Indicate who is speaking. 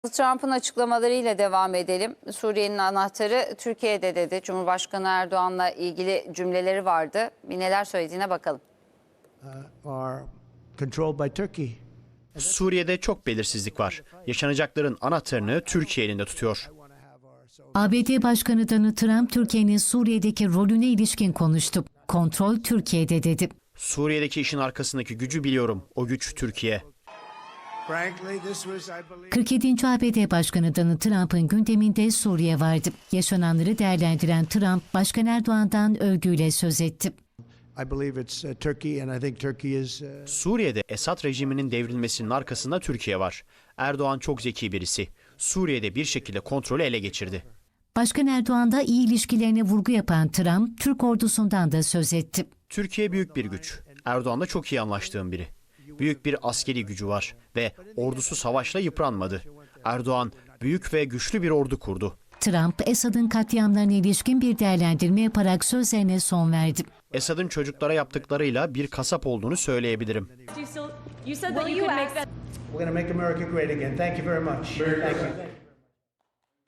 Speaker 1: Trump'ın açıklamalarıyla devam edelim. Suriye'nin anahtarı Türkiye'de dedi. Cumhurbaşkanı Erdoğan'la ilgili cümleleri vardı. Bir neler söylediğine bakalım.
Speaker 2: Suriye'de çok belirsizlik var. Yaşanacakların anahtarını Türkiye elinde tutuyor.
Speaker 3: ABD Başkanı Donald Trump, Türkiye'nin Suriye'deki rolüne ilişkin konuştu. Kontrol Türkiye'de dedi.
Speaker 2: Suriye'deki işin arkasındaki gücü biliyorum. O güç Türkiye.
Speaker 3: 47. ABD Başkanı Donald Trump'ın gündeminde Suriye vardı. Yaşananları değerlendiren Trump, Başkan Erdoğan'dan övgüyle söz etti.
Speaker 2: Suriye'de Esad rejiminin devrilmesinin arkasında Türkiye var. Erdoğan çok zeki birisi. Suriye'de bir şekilde kontrolü ele geçirdi.
Speaker 3: Başkan Erdoğan'da iyi ilişkilerine vurgu yapan Trump, Türk ordusundan da söz etti.
Speaker 2: Türkiye büyük bir güç. Erdoğan'la çok iyi anlaştığım biri. Büyük bir askeri gücü var ve ordusu savaşla yıpranmadı. Erdoğan büyük ve güçlü bir ordu kurdu.
Speaker 3: Trump, Esad'ın katliamlarına ilişkin bir değerlendirme yaparak sözlerine son verdi.
Speaker 2: Esad'ın çocuklara yaptıklarıyla bir kasap olduğunu söyleyebilirim.
Speaker 4: We're going to make America great again. Thank you very much. Thank you.